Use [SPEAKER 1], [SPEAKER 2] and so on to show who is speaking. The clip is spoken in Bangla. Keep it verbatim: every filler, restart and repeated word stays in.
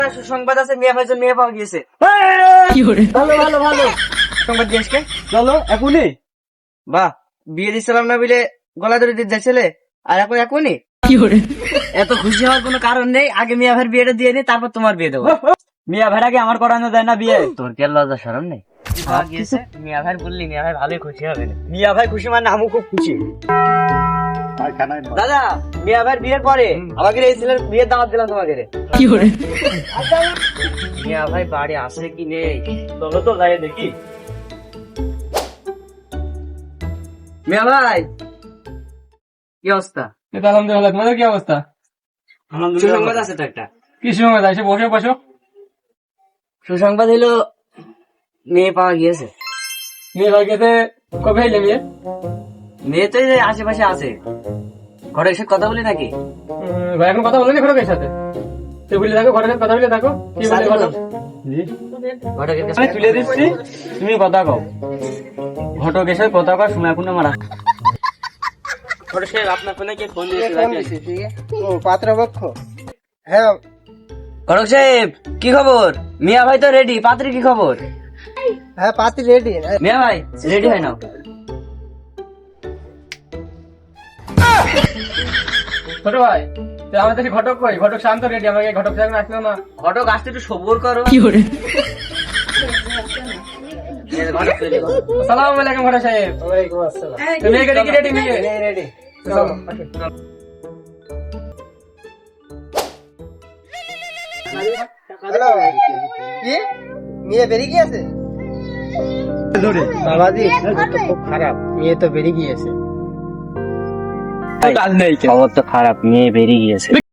[SPEAKER 1] সুসংবাদ আছে, মিয়া ভাইজন মেয়ে পাওয়া গিয়েছে।
[SPEAKER 2] ভালো ভালো ভালো
[SPEAKER 1] সংবাদ দিয়ে আসকে।
[SPEAKER 2] চলো এখনই।
[SPEAKER 1] বাহ, বিয়ে দিচ্ছিলাম না বলে গলা ধরে দিতে যাচ্ছিলে, আর এখন এখনই? এত খুশি হওয়ার কোনো কারণ নেই, আগে মিয়া ভাইয়ের বিয়েটা দিয়ে নি, তারপর তোমার বিয়ে দেবো।
[SPEAKER 2] মিয়া ভাইরাকে আমার করানো যায় না বিয়ে?
[SPEAKER 1] তোর কি আর লজ্জা শরম নেই? মিয়া ভাই বললি, মিয়া ভাই ভালোই খুশি হবে।
[SPEAKER 2] মিয়া ভাই খুশি মানে আমি খুব খুশি।
[SPEAKER 1] দাদা, মিয়া ভাইয়ের বিয়ের পরে আমাকে এই ছেলের বিয়ের দাওয়াত দিলাম তোমাকে। মিয়া ভাই বাড়ি আসে কি নেই?
[SPEAKER 2] চলো তো যাই দেখি।
[SPEAKER 1] মিয়া ভাই, কি অবস্থা?
[SPEAKER 2] আলহামদুলিল্লাহ, তোমাদের কি অবস্থা?
[SPEAKER 1] সুসংবাদ আছে তো একটা।
[SPEAKER 2] কি সময় এসে বসে বসো।
[SPEAKER 1] সুসংবাদ হলো মেয়ে পাওয়া গিয়েছে।
[SPEAKER 2] মেয়ে ভাই গেছে কবে এলে মেয়ে?
[SPEAKER 1] মেয়ে তো এই যে আশেপাশে আছে, ঘরে এসে কথা বলি নাকি?
[SPEAKER 2] উম, ভাই এখন কথা বলেনি ঘটকের সাথে? তুই বলে থাকো ঘটকের কথা বলে থাকো। কি বলে ঘটক?
[SPEAKER 1] ঘটকের কাছে
[SPEAKER 2] আমি তুলে দিচ্ছি, তুমি কথা কও। ঘটক এসে কথা কও, সময় এখন আমার আছে।
[SPEAKER 1] ঘটক সাহেব, আপনার ফোনে কে ফোন দিয়েছে?
[SPEAKER 3] ও পাত্রপক্ষ। হ্যাঁ
[SPEAKER 1] ঘটক সাহেব, কি খবর? মিয়া ভাই তো রেডি, পাত্রী কি খবর?
[SPEAKER 3] হ্যাঁ পাত্রী রেডি।
[SPEAKER 1] মিয়া ভাই রেডি হয় না?
[SPEAKER 2] ছোট ভাই, তুই আমাদের কাছে ঘটক কই? ঘটক শান্ত রেডি, আমাকে ঘটক সাহেব আসলো না।
[SPEAKER 1] ঘটক আসতে একটু সবুর করো। ঘটক তৈরি করো।
[SPEAKER 2] আসসালামু আলাইকুম ঘটক সাহেব।
[SPEAKER 3] ওয়ালাইকুম আসসালাম।
[SPEAKER 2] তুমি এখানে কি রেডি মেয়ে?
[SPEAKER 3] রেডি।
[SPEAKER 2] চলো।
[SPEAKER 3] হ্যালো, কি মেয়ে বেরিয়ে গিয়েছে? বাবাজি খুব খারাপ, মেয়ে তো বেরিয়ে গিয়েছে।
[SPEAKER 2] কাজ নেই।
[SPEAKER 1] খবর তো খারাপ, মেয়ে বেরিয়ে গিয়েছে।